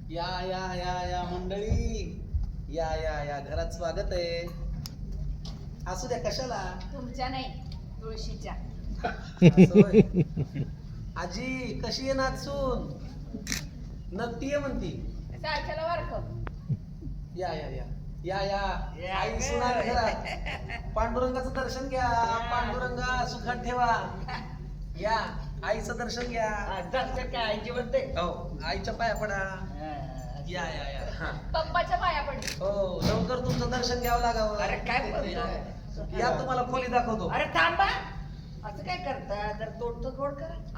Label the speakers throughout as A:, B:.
A: या या या या मंडळी, या या या घरात स्वागत आहे. असू द्या, कशाला?
B: तुमच्या नाही, तुळशीच्या.
A: असं होय. आजी कशी आहे नाचून? नक्की आहे म्हणती.
B: सारख्याला वारख.
A: या या या या या
C: या
A: आई
C: ग.
A: सुनार घरात. पांडुरंगाचं दर्शन घ्या. पांडुरंगा सुखात ठेवा. या आईचं दर्शन घ्या.
C: दर्शन काय आईची म्हणते?
A: हो, आईच्या पाया पडा. या या या हा.
B: पप्पाच्या पाया पडले.
A: हो, लवकर तुमचं दर्शन घ्यावं लागावं.
C: अरे काय बोलतो?
A: या तुम्हाला खोली दाखवतो.
C: अरे थांबा, असं काय करता? जर तोडतो गोड करा.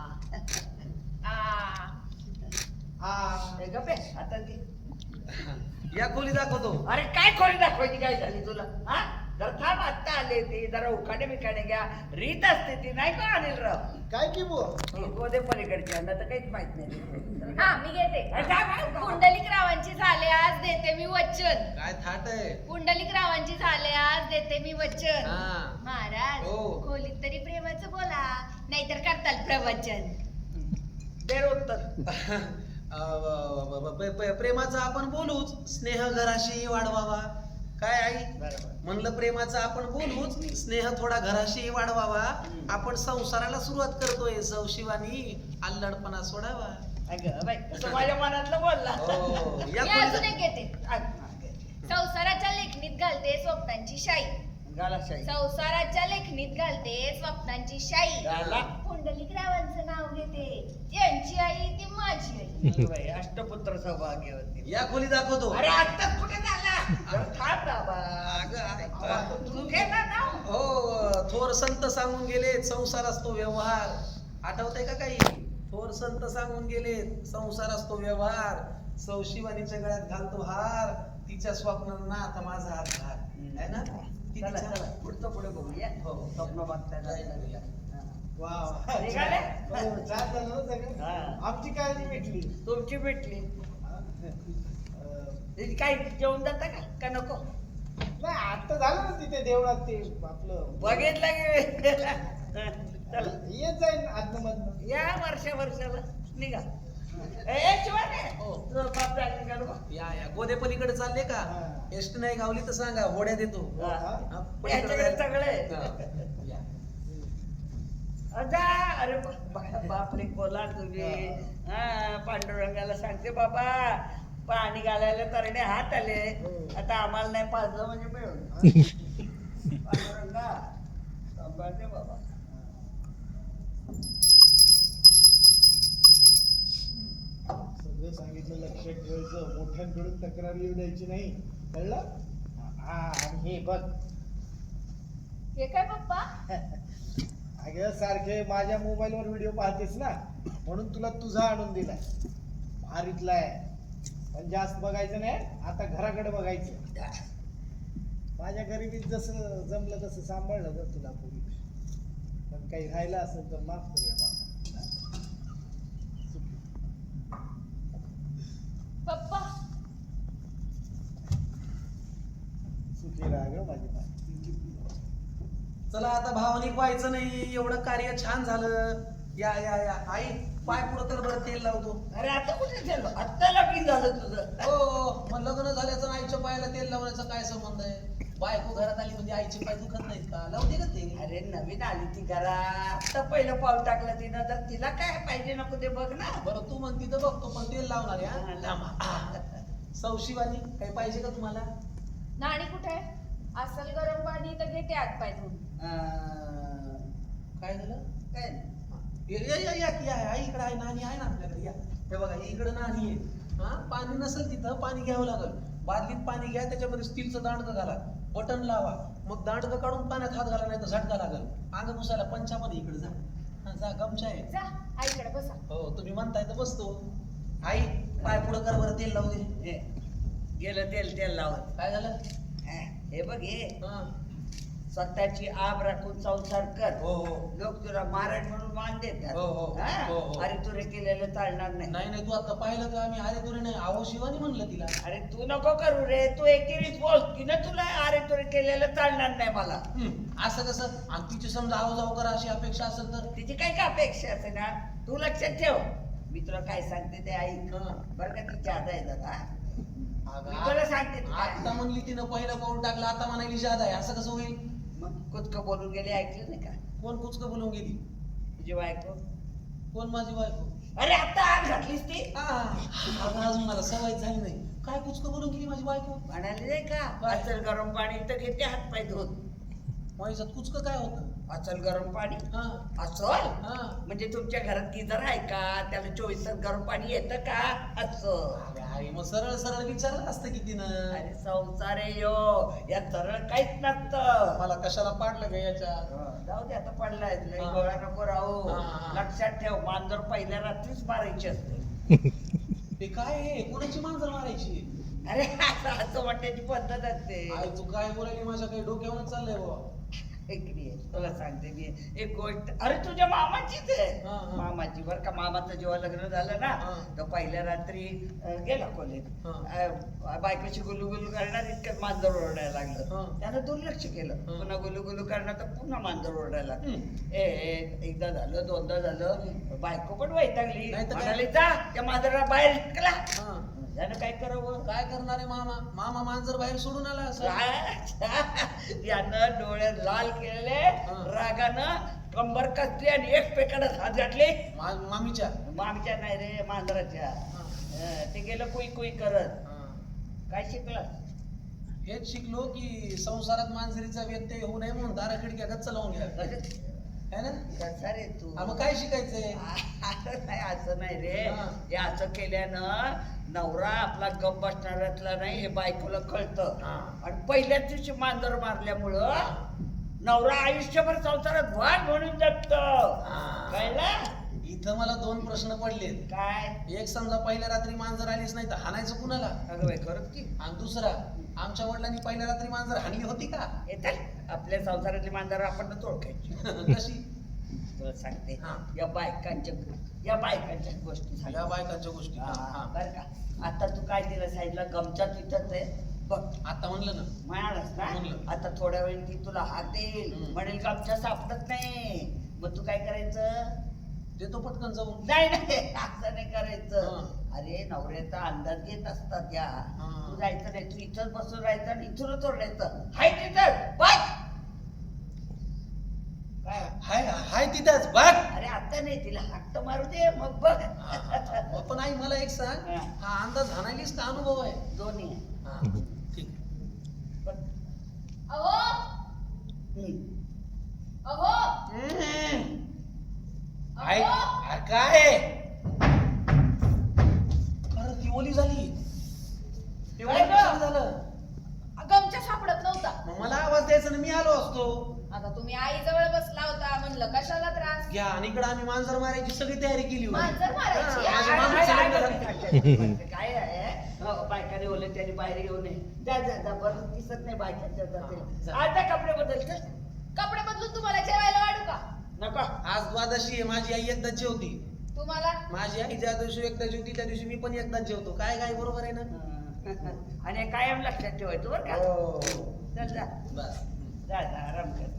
C: हे गप्पे आता ती.
A: या खोली दाखवतो.
C: अरे काय खोली दाखवायची काय झाली तुला? हा जर थांब, आत्ता आले ते जरा उखाणे बिखाणे घ्या. रीत असते ती नाही का अनिलराव?
D: काय की बुवा?
C: गोदे पलीकडची यांना तर काहीच माहित नाही.
B: हा मी घेते.
C: अरे काय काय?
B: पुंडलिक रावांची झाले आज देते मी वचन.
A: काय थाट आहे?
B: पुंडलिक रावांची झाले आज देते मी वचन.
A: हा.
B: महाराज
A: हो.
B: खोलीत तरी प्रेमाचं बोला, नाहीतर करताल प्रवचन.
C: दे उत्तर.
A: प्रेमाचं आपण बोलूच. स्नेह घराशी वाढवावा. काय आई?
C: बरोबर.
A: म्हणलं प्रेमाचं आपण बोलूच. स्नेह थोडा घराशी वाढवावा. आपण संसाराला सुरुवात करतोय. सौशिवानी अल्लडपणा सोडावा.
C: अगं बाई, तसं माझ्या मनातलं बोलला.
A: हो, या
B: मी
A: खोलीत-
B: अजून एक घेते. संसाराच्या लेखणीत घालते स्वप्नांची शाई.
C: गालाशाही.
B: संसाराच्या लेखणीत घालते स्वप्नांची शाई.
C: गाला.
B: पुंडलिक रावांचं नाव घेते. यांची आई ती माझी आई.
C: बाई, अष्टपुत्र सौभाग्यवती.
A: या खोली दाखवतो.
C: अरे आत्ताच कुठे झाला? जरा थांब बाबा.
A: अगं,
C: तू घे ना नाव.
A: हो, थोर संत सांगून गेले संसार असतो व्यवहार. आठवतंय का काही? थोर संत सांगून गेले संसार असतो व्यवहार. सौशिवानीच्या गळ्यात घालतो हार. तिच्या स्वप्नांना आता माझा हात घाल. है ना? किती
C: चला
A: छान.
C: चला पुढचं पुढे बघूया.
A: हो.
C: स्वप्न बघताय
A: जाऊया.
D: वा वा.
C: निघाले?
D: हो, छान झालं ना सगळं.
C: हा.
D: आमची काळजी भेटली.
C: तुमची भेटली.
D: अं,
C: तिची काय जेवण जाता का नको?
D: नाही आता झालं ना तिथे देवळात ते आपलं
C: बघितलं की चला.
D: येत जाईल आतनं मधनं.
C: या वर्षाला निघा. ए शिवाने,
A: हो.
C: तुझं बाप जायचं का नको?
A: या या गोदे पलीकडे चालले का?
D: हा.
A: एसटी नाही गावली तर सांगा, होड्या देतो.
C: हा.
A: हा, पलीकडे
C: याच्याकडे
A: जायचं.
C: सगळे.
A: हा. या.
C: अजा, अरे बापरे बोला तुम्ही. हा पांडुरंगाला सांगते बाबा पाणी घालायला तरणे हात आले. आता आम्हाला नाही पाजलं म्हणजे मिळून. पांडुरंगा सांभाळते बाबा.
D: सगळं सांगितलं, लक्षात ठेवायचं. मोठ्यांकडून तक्रार येऊ द्यायची नाही, कळलं? हा आणि हे बघ,
B: हे काय पप्पा?
D: अगं सारखे माझ्या मोबाईलवर व्हिडिओ पाहतेस ना, म्हणून तुला तुझा आणून दिलाय. भारीतला आहे, पण जास्त बघायचं नाही. आता घराकडे बघायचं. माझ्या गरिबीत जसं जमलं तसं सांभाळलं जर तुला पूर्वी. पण काही राहिलं असेल तर माफ करूया बाबा.
B: पप्पा
D: सुखी राहा ग माझी बाई.
A: चला आता भावनिक व्हायचं नाही. एवढं कार्य छान झालं. या या या आई, पाय पुढं तर बरं तेल लावतो.
C: अरे आता कुठे झालं? आत्ता लगीन झालं तुझं.
A: हो, मग लग्न झाल्याचं आणि आईच्या पायाला तेल लावण्याचा काय संबंध आहे? बायको घरात आली म्हणजे आईचे पाय दुखत नाहीत का? लावते का ते?
C: अरे नवीन आली ती घरा, आता पहिलं पाऊल टाकलं तिनं, तर तिला काय पाहिजे नको ते बघ ना.
A: बरं तू म्हणती तर बघतो, पण तेल लावणार
C: हा,
A: आहे.
C: लाव.
A: सौशिवानी काही पाहिजे का तुम्हाला?
B: नाणी कुठे आहे? असल गरम पाणी तर घेते आत पाय धुवून.
A: काय झालं?
C: काय
A: या या या या की आहे. आई इकडे आहे, नाणी आहे ना आपल्याकडे. या हे बघा, इकडे नाणी आहे. हा, पाणी नसेल तिथं पाणी घ्यावं लागल. बादलीत पाणी घ्या, त्याच्यामध्ये स्टीलचं दांडकं घाला, बटन लावा. मग दांडकं काढून पाण्यात हात घाला, नाही तर झटका लागल. अंग पुसायला पंचामध्ये इकडे जा. हा, जा, गमचा आहे.
B: जा आईकडे बसा.
A: हो, तुम्ही म्हणताय तर बसतो. आई, पाय पुढं कर बरं, तेल लावू दे.
C: हे, गेलं तेल तेल लावत.
A: काय झालं?
C: हे बघ हे
A: हा.
C: स्वतःची आब राखून संसार कर.
A: हो हो.
C: लोक तुला महाराज म्हणून मान देतात.
A: हो, हो,
C: हा?
A: हो, हो.
C: अरे तुरे केलेलं चालणार नाही.
A: नाही नाही, तू आता पाहिलं का? आम्ही अरे तुरे नाही, आहो शिवानी म्हणलं तिला.
C: अरे तू नको करू रे, तू एकेरीच बोल. तिनं तुला अरे तुरे केलेलं चालणार नाही मला.
A: असं कसं? आणि तिची समजा आहो जाऊ करा अशी अपेक्षा असेल तर?
C: तिची काय का अपेक्षा असे ना, तू लक्षात ठेव. मी तुला काय सांगते ते ऐक
A: हा.
C: बरं का ती जादा आहे जरा
A: अगं,
C: मी तुला सांगते ते काय.
A: आता म्हणली तिनं पहिलं पाऊल टाकलं आता म्हणायली जादा आहे असं कसं होईल?
C: मग कुचकं बोलून गेले ऐकलं नाही का
A: कोण कुचकं बोलून गेली?
C: तुझी बायको
A: कोण माझी बायको?
C: अरे आता आग घातलीस ती
A: अगं अजून मला सवय झाली नाही. काय कुचकं बोलून गेली माझी बायको?
C: म्हणाली नाही का
A: काय?
C: अचल गरम पाणी तर घेते हात पाय धुत
A: माझ्यात कुचकं काय होतं?
C: अचल गरम पाणी
A: हा
C: अचल
A: हा.
C: म्हणजे तुमच्या घरात गिझर आहे का त्याला 24 तास गरम पाणी येतं का असं
A: अरे आई, मग सरळ सरळ विचारलं असतं की तिनं.
C: अरे संसार आहे यो या सरळ काहीच नसतं
A: मला कशाला पाडलं ग याच्या?
C: जाऊ दे आता पडलाय लय
A: हा.
C: गोळा नको राहू
A: हा, हा.
C: लक्षात ठेव मांजर पहिल्या रात्रीच मारायची असते
A: ते काय आहे? कोणाची मांजर मारायची?
C: अरे असं वाटण्याची पद्धत असते
A: आई तू काय बोलायली? माझ्या काही डोक्यावर चाललंय बाबा.
C: ऐकली आहे, तुला सांगते मी एक गोष्ट अरे तुझ्या मामाचीच आहे
A: हा, हा.
C: मामाची बर का मामाचं जेव्हा लग्न झालं ना
A: हा.
C: तर पहिल्या रात्री गेला खोलीत बायकोची गुलू गुलू करणार इतकं मांजर ओरडायला
A: हा.
C: लागलं त्यानं दुर्लक्ष केलं
A: हा.
C: पुन्हा गुलू गुलू करणार तर पुन्हा मांजर ओरडायला लागलं
A: हम्म.
C: एकदा झालं दोनदा झालं बायको पण वैतागली
A: नाही तर काय?
C: म्हणाली जा त्या मांजराला बाहेर निघला
A: हा.
C: त्यानं काय करावं
A: काय करणार आहे मामा? मामा मांजर बाहेर सोडून आला असं.
C: यानं डोळे लाल केलेले
A: हा.
C: रागानं कंबर कसली आणि एक पेकडच हात घातले
A: मामीच्या.
C: मामीच्या नाही रे मांजराच्या
A: हा.
C: ते गेलं कुई कुई करत
A: हा.
C: काय शिकलं
A: हेच शिकलो की संसारात मांजरीचा व्यत्यय होऊ नये म्हणून दारा खिडक्या गच्च लावून घ्या है ना?
C: कसा रे तू
A: मग काय शिकायचंय?
C: असं नाही रे
A: हा.
C: हे असं केल्यानं नवरा आपला गप बसणाऱ्यातला नाही हे बायकोला कळतं
A: हा.
C: आणि पहिल्याच दिवशी मांजर मारल्यामुळं नवरा आयुष्यभर संसारात वाघ म्हणून जगत कळलं
A: इथं मला 2 प्रश्न पडलेत.
C: काय
A: एक समजा पहिल्या रात्री मांजर आलीच नाही तर हाणायचं कुणाला?
C: अगं बाई खरंच की
A: आणि दुसरा, आमच्या वडिलांनी पहिल्या रात्री मांजर हाणली होती का?
C: येतात आपल्या संसारातली मांजर आपण ओळखायची
A: कशी?
C: तुला सांगते
A: हा.
C: या बायकांच्या गोष्टी सांगते.
A: या बायकांच्या गोष्टी.
C: हा, बरं का आता तू काय दिलं साईडला गमच्या तिथंच आहे बघ
A: आता म्हणलं ना.
C: म्हणालच ना
A: म्हणलं.
C: आता थोड्या वेळ ती तुला हात देईल
A: हम्म.
C: म्हणेल गमच्या सापडत नाही मग तू काय करायचं
A: देतो पटकन जाऊन.
C: नाही असं नाही करायचं
A: हा.
C: अरे नवऱ्याचा अंदाज घेत असतात या
A: हा.
C: तू जायचं नाही तू इथंच बसून राहायचं आणि इथूनच ओरडायचं हाय तिथं बघ काय
A: हाय हाय तिथंच बघ.
C: अरे आता नाही तिला हट्ट मारू दे मग बघ
A: मग पण आई मला एक सांग,
C: हा.
A: हा अंदाज हाणायलीस का अनुभव आहे?
C: दोन्ही आहे.
A: हा, ठीक.
C: बघ.
B: अहो
C: हम्म.
B: अहो
A: आई
B: अहो
A: अरे काय? अरे ती ओली झाली. ते ओली
C: काय गं?
A: कशाला झालं?
B: गमच्या सापडत नव्हता.
A: मग मला आवाज द्यायचा ना, मी आलो असतो.
B: आता तुम्ही आई जवळ बसला होता म्हणलं कशाला त्रास.
A: घ्या आणि इकडे आम्ही मांजर मारायची सगळी तयारी केली होती.
B: मांजर मारायची?
A: हा, माझ्या
C: आहे,
A: मामाचं
C: आहे,
A: लग्न
C: आहे,
A: झालं.
C: काय आहे बायकाने ओले त्याने बाहेर येऊ नये जा बरं दिसत नाही बायकांच्या
A: हा,
C: जाते
A: जा.
C: आता कपडे बदलते
B: कपडे बदलून तुम्हाला जेवायला वाढू का?
C: नको
A: आज द्वादशी आहे, माझी आई एकदाच जेवती.
B: तुम्हाला
A: माझी आई ज्या दिवशी एकदा जेवती त्या दिवशी मी पण एकदाच जेवतो. काय काय बरोबर आहे ना?
C: आणि कायम लक्षात ठेवायचं बरं का
A: हो.
C: चल जा
A: बस.
C: जा आराम कर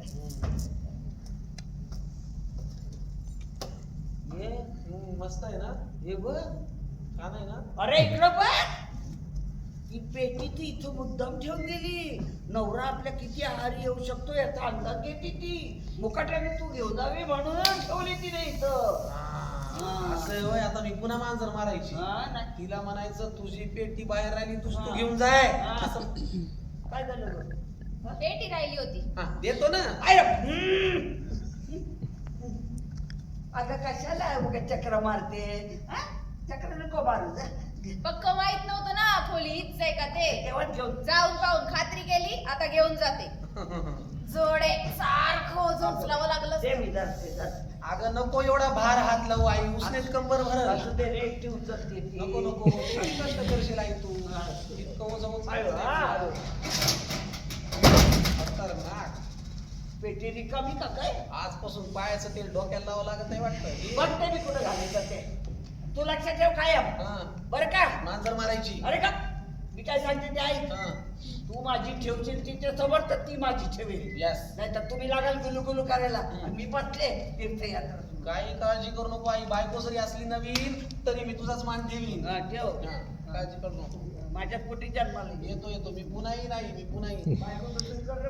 A: हे मस्त आहे ना?
C: हे बघ
A: छान आहे ना?
C: अरे इकडं बघ ही पेटी ती इथं मुद्दाम ठेवून गेली नवरा आपल्या किती आहारी येऊ शकतो याचा अंदाज घेते ती मुकाट्याने तू घेऊन जावी म्हणून ठेवली तिने इथं
A: हा, असं आहे होय. आता मी पुन्हा मांजर मारायची.
C: हा, नाही.
A: तिला म्हणायचं तुझी पेटी बाहेर राहिली तू
C: हा.
A: घेऊन जाय.
C: हा.
A: असं
C: काय झालं गं? हा?
B: पेटी राहिली होती.
A: हा, देतो ना.
C: आता कशाला उगा चक्र मारते हा? चक्र नको मारू जा
B: पक्क माहित नव्हतं ना खोली हीच आहे का ते.
C: तेव्हा घेऊन
B: जाऊन पाहून खात्री केली आता घेऊन जाते. जोडे सारखं उचलावं लागलं.
C: दे मी जाते जाते
A: अगं नको एवढा भार हात लावू आई, उसनेच कंबर भरल.
C: असं ते रे एकटी उचलते ती.
A: नको नको किती कष्ट करशील आई तू. इतकं ओझं
C: आयो, आयो.
A: खतरनाक.
C: पेटी रिकामी का काय
A: आजपासून पायाचं तेल डोक्याला लावावं लागत नाही वाटतं.
C: बघते मी कुठं घालायचं ते तू लक्षात ठेव कायम
A: हा,
C: बरं का
A: मांजर मारायची.
C: अरे का मी काय सांगते ते ऐक
A: हा,
C: तू माझी ठेवशील तिच्या समोर तर ती माझी ठेवेल
A: यस.
C: नाहीतर तुम्ही लागाल गुलू गुलू करायला आणि मी बसले तीर्थयात्रा
A: काही काळजी करू नको आई, बायको जरी असली नवीन तरी मी तुझाच मान ठेवीन.
C: हा, ठेव.
A: काळजी करू नको.
C: माझ्या पोटी जन्माला ये.
A: येतो मी पुन्हाही नाही, मी पुन्हा येईन.
C: बायको तसंच कर